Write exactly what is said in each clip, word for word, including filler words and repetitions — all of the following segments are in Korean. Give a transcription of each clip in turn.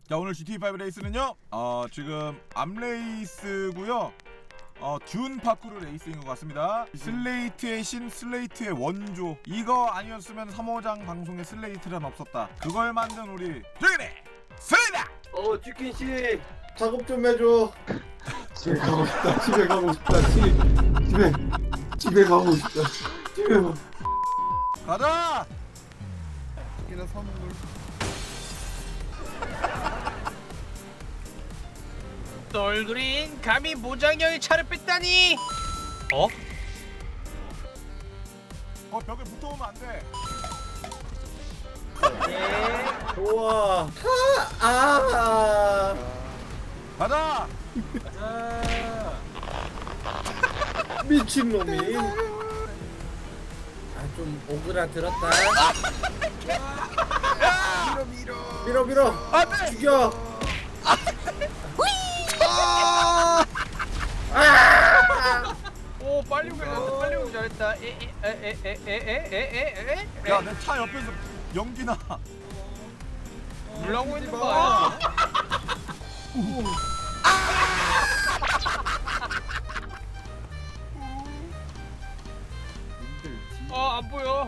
자, 오늘 지티에이 파이브 레이스는요 어 지금 암레이스고요 어 듄 파쿠르 레이스인 것 같습니다. 슬레이트의 신, 슬레이트의 원조. 이거 아니었으면 삼 호장 방송에 슬레이트란 없었다. 그걸 만든 우리 듀네 슬레이다. 어 쥐킨 씨 작업 좀 해줘. 집에 가고 싶다. 집에 가고 싶다. 집에 집에 집에 가고 싶다. 집에 가. 가자. 이나 선물. 얼그린 감히 모장형의 차를 뺐다니. 어? 어 벽에 붙어오면 안 돼. 네 좋아 아 가자. 아 미친놈이 아 좀 오그라들었다 밀어 밀어 밀어 밀어 안돼. 죽여 오 빨리 오길 잘했다. 빨리 오길 잘했다. 에에에에에에에에에. 야, 내 차 옆에서 연기나. 물라고 있는 거 아니야? 어안 보여.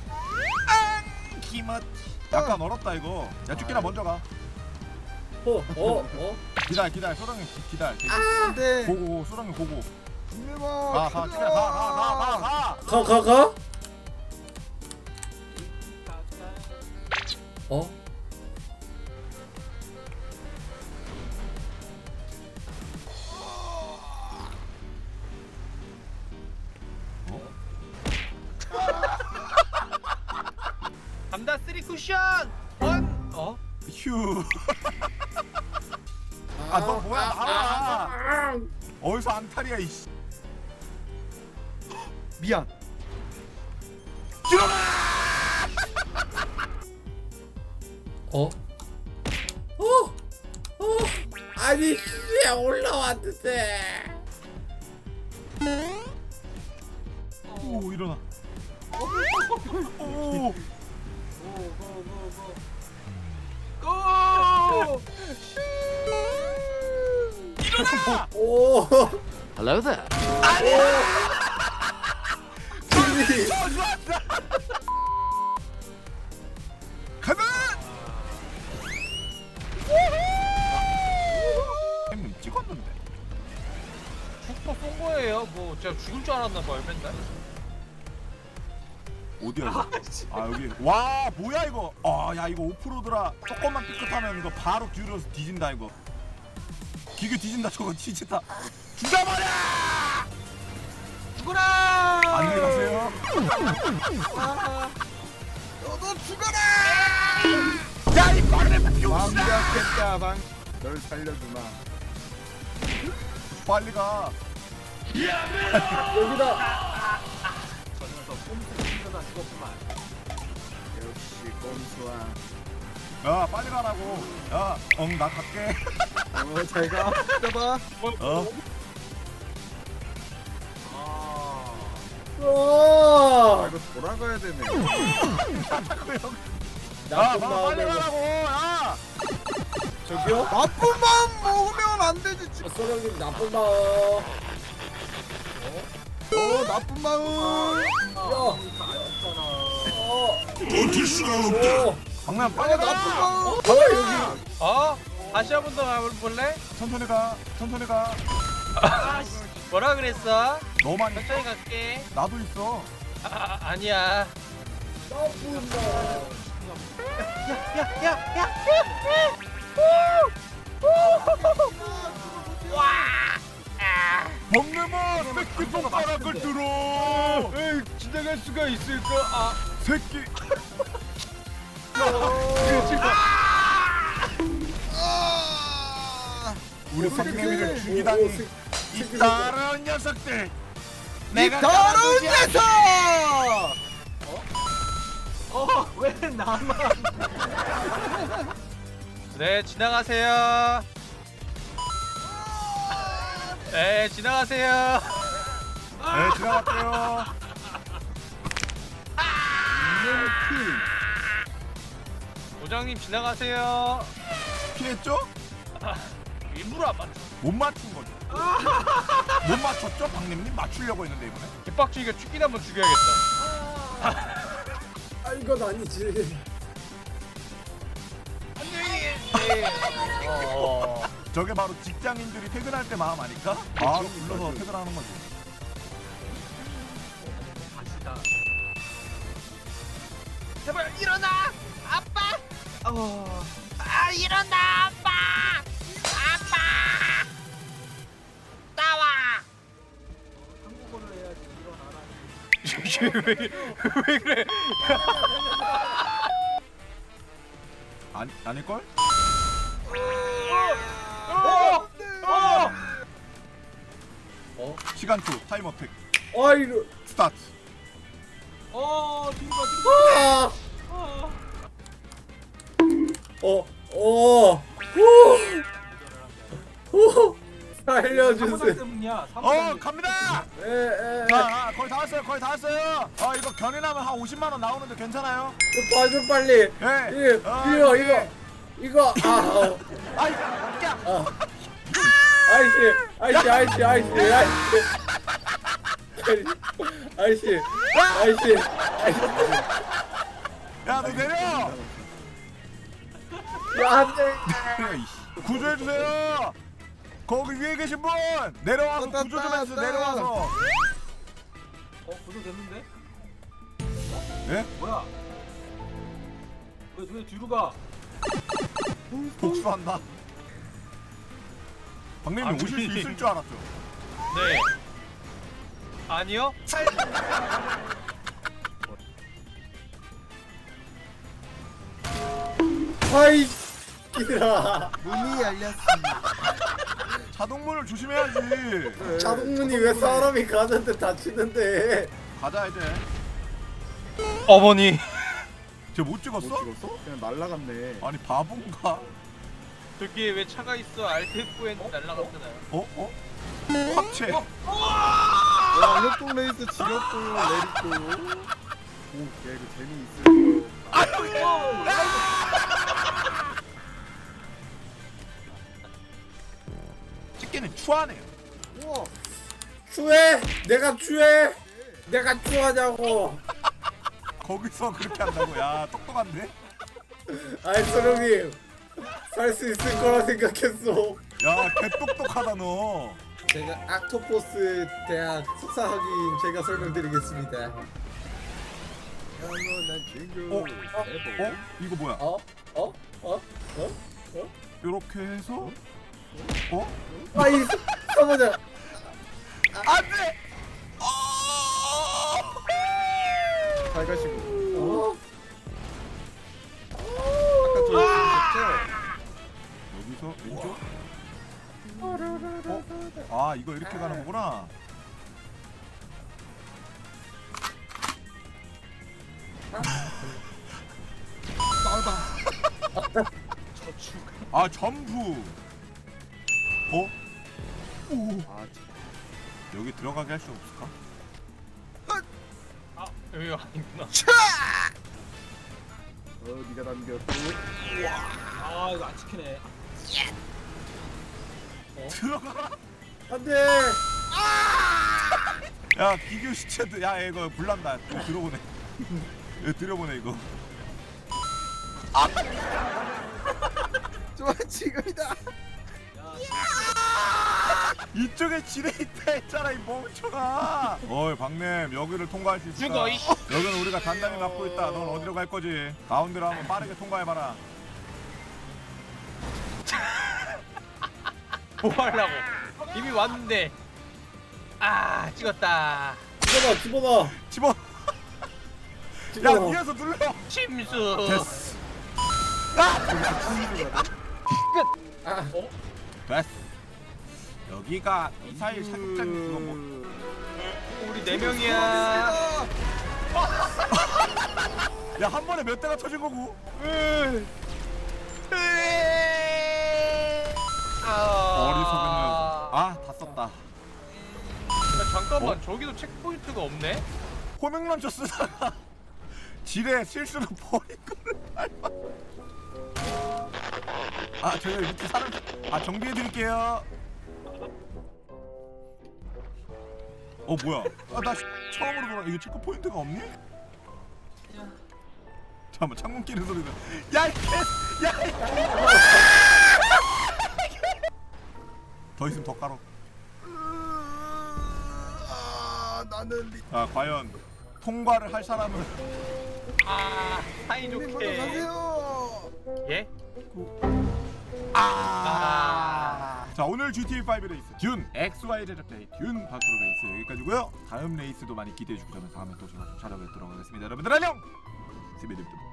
기맛. 약간 얼었다 이거. 야, 쭈끼나 먼저 가. 어 어 어 기다려, 기다려. 소랑이 기- 기다려. 안돼. 고고, 소랑이 고고. 김일박. 가, 가, 쭈끼나 가, 가, 가, 가, 가. 가 가 가 어? 감다 쓰리 쿠션. 원. 어? 휴. 아, 너 뭐야, 나와. 어디서 앙탈이야, 이씨. 미안. 어? 어? 어? 아니 씨 올라왔는데 오, 일어나. 오. 고! 일어나. 오 Hello there. 진리 어, 좋았다. 가자. 형님 찍었는데. 축포 쏜 거예요. 뭐 제가 죽을 줄 알았나 봐요 맨날. 어디야 이거? 아 여기. 와 뭐야 이거? 아야 이거 오프로드라 조금만 삐끗하면 이거 바로 뒤로서 뒤진다 이거. 기계 뒤진다 저거 뒤진다. 죽여버려! 죽어라. 안녕히 가세요. 너도 죽어라. 야이 빨리 병신아! 완벽했다 방. 널 살려주마. 빨리 가. 여기다 역시 꼼수아. 야 빨리 가라고. 야, 엉 나 갈게. 어 잘가. 잡아. 어? 아 와 이거 돌아가야 되네. 야, 나쁜 마, 빨리 마음에 가라고. 야. 저기요? 나쁜 마음 먹으면 안 되지. 어, 소령님 나쁜 마음 어 나쁜 마음. 야 어. 버틸 수가 없다 강남 빨리 나쁜 가. 마음. 어 여기 어? 다시 한 번 더 가볼래? 천천히 가. 천천히 가. 아, 씨. 뭐라 그랬어? 너만 천천히 있어. 갈게. 나도 있어. 아, 아 아니야. 나쁜 마음 먹는아 새끼 손가락을 들어. 에이, 지나갈 수가 있을까? 아, 새끼. 우리 성내미를 죽이다니. 이 더러운 녀석들. 내가 더러운 가만두지 않- 녀석. 어왜 나만? 네 지나가세요. 네 지나가세요. 네 지나갈게요. 부장님 지나가세요. 피했죠? 일부러 안 맞춰. 못 맞춘 거죠. 못 맞췄죠? 박님님 맞추려고 했는데 이번에. 개빡치니까 죽긴 한번 죽여야겠다. 아 이건 아니지. 어. 저게 바로 직장인들이 퇴근할 때 마음 아닐까? 바로 불러서 퇴근하는 거지. 갑시다. 제발 일어나, 아빠. 어. 아 일어나, 아빠. 아빠. 나와. 한국어를 해야지 일어나라. 왜, 왜 그래? 아니 아닐걸? 어! 어! 어? 시간초 타임 어택 아 이거. 스타트. 어, 뒤로 가, 아. 어. 어. 후. 후. 살려주세요. 때문이야. 어 갑니다. 에, 에, 에. 자 아, 거의 다 왔어요. 거의 다 왔어요. 아 이거 견인하면 한 오십만 원 나오는데 괜찮아요? 봐줘 빨리. 예. 이, 아, 이거 예. 이거 이거 아. 어. 아이 야. 아. 아이씨, 아이씨, 아이씨, 아이씨, 아이씨. 아이씨, 아이씨, 아이씨. 야 너 내려. 야, 안 돼. 구조해 주세요. 거기 위에 계신 분 내려와서 떴다, 구조 좀 해주세요. 떴다. 내려와서. 어, 구조 됐는데? 예? 뭐야? 왜, 왜 뒤로 가? 복수한다. 박님님 아, 오실 수 주인님. 있을 줄 알았죠. 네. 아니요? 아이, 기라. 문이 열렸습니다. 자동문을 조심해야지. 자동문이 왜 사람이 가는데 닫히는데? 가자 이제. 어머니. 쟤 못 찍었어? 못 찍었어? 그냥 날라갔네. 아니 바본가? 저기에 왜 차가 있어? 알테프엔 날라갔잖아요. 어? 어? 확채. 와 협동 레이스 지렸고 내리고. 오, 야 이거 재미있을 거. 찍기는 추하네요. 우와. 추해? 내가 추해? 내가 추하냐고? 거기서 그렇게 한다고? 야 똑똑한데? 아이 소령님, 살 수 있을 거라 생각했어. 야 개똑똑하다 너. 제가 악토포스 대학 석사학위인 제가 설명드리겠습니다. 영원한 친구. 어? 어? 이거 뭐야? 어? 어? 어? 어? 이렇게 해서 어? 아이 사모자. 안돼! 잘 가시고. 어? 아까 저 여기서 왼쪽? 어? 아 이거 이렇게 가는 거구나. 아 점프. 어? 오. 아, 참. 여기 들어가게 할 수 없을까? 아, 여기가 아니구나. 어, 네가 남겼고. 아, 이거 안 찍히네. 들어가. 안돼. 야 기교 시체도 야 이거 불난다. 이거 들어보네. 이거 들어보네 이거. 좋아 지금이다. 이쪽에 지뢰 있다 했잖아 이 멍청아. 어이 박냄 여기를 통과할 수 있을까? 죽어, 이 여기는 우리가 단단히 막고 있다. 넌 어디로 갈 거지? 가운데로 한번 빠르게 통과해봐라. 뭐 하려고? 이미 왔는데. 아, 찍었다. 집어넣어, 집어넣어, 집어. 야 집어넣어. 위에서 눌러. 침수. 됐어. 아, 됐어. 여기가 미사일 사격장 그거 뭐? 우리 네 명이야. 야 한 번에 몇 대가 터진 거고? 어리석은 녀석. 아다 썼다. 야, 잠깐만, 어? 저기도 체크포인트가 없네? 호명런처 쓰다가 지뢰 실수로 버린 거를 닮아. 아 저희가 이렇게 사람 아 정비해 드릴게요. 어 뭐야? 아나 처음으로 돌아. 이거 체크 포인트가 없니? 잠깐만 창문 끼는 소리가. 야 이 개! 야 이 개! 더 있으면 더 깔어. 아 나는. 아 과연 통과를 할 사람은. 아 사이좋게. 가세요. 예? 아. 자 오늘 지티에이 오 레이스 듄 엑스와이 제작자의 듄 파크로 레이스 여기까지고요. 다음 레이스도 많이 기대해 주시고 저는 다음에 또 찾아뵙도록 하겠습니다. 여러분들 안녕. 스미드입니다.